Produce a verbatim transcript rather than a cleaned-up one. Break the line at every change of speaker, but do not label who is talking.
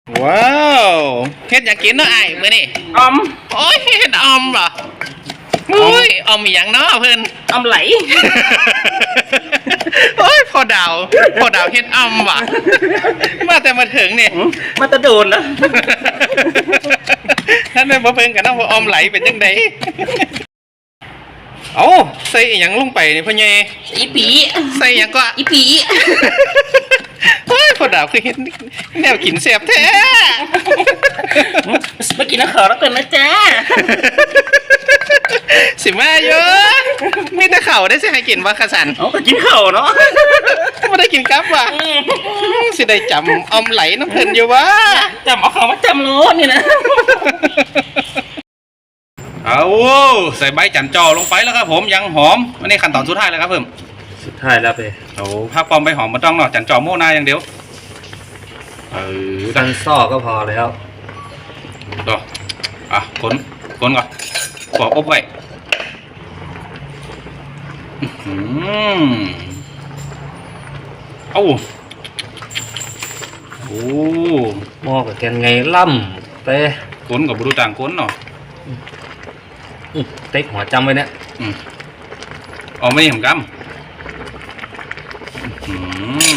ว้าวเฮ็ดอยากกินเนาะไอ้มื้อนี่
ออม
โอ้ยเฮ็ดออมเหรอโอ้ยออมอีหยังเนาะเพิ่น
ออมไหล
โอ้ยพอดาวพอดาวเฮ็ดออมว่ะมาแต่มาถึงเนี่ย
มาตะโดนแล้ว
ท่านได้บ่เพิ่งกันเนาะว่าออมไหลเป็นจังไดเอ้าใส่อีหยังลงไปนี่พ่อใหญ่
อีปี
ใส่หยังก็
อีปี
เฮ้ยพอดาวคือเฮ็ดแนวกินแซ่บแท้
มากินน้ำขาวแล้วกันนะจ๊ะ
สิมาเยอะมีแต่ข้าวได้สิให้กินว่าขสัน
เอาไปกินข้าวเนาะ
ไม่ได้กินกับว่ะสิได้จำออมไหลน้ำเพลินอยู่วะ
จำเอาข้าวมาจำโลนี่นะ
เอาใส่ใบจันจอลงไปแล้วครับผมยังหอมอันนี้ขั้นตอนสุดท้ายแล้วครับเพิ่ม
สุดท้ายแล้วไป
โอ้ภาพปลอมใบหอมมาต้องเนาะจันจอโม่นาอย่างเดียวเออ
กันซ่อก็พอแล้ว
ต่ออ่ะขนขนก่อนขออบไว้อืมเอ้าโอ้
หม้อกับแกนไงล่ำไป
ขนกับบรูต่างขนเนาะ
เต็กหัวจำไว้เนี่ย
อืมเอาไม่ผมกำอืม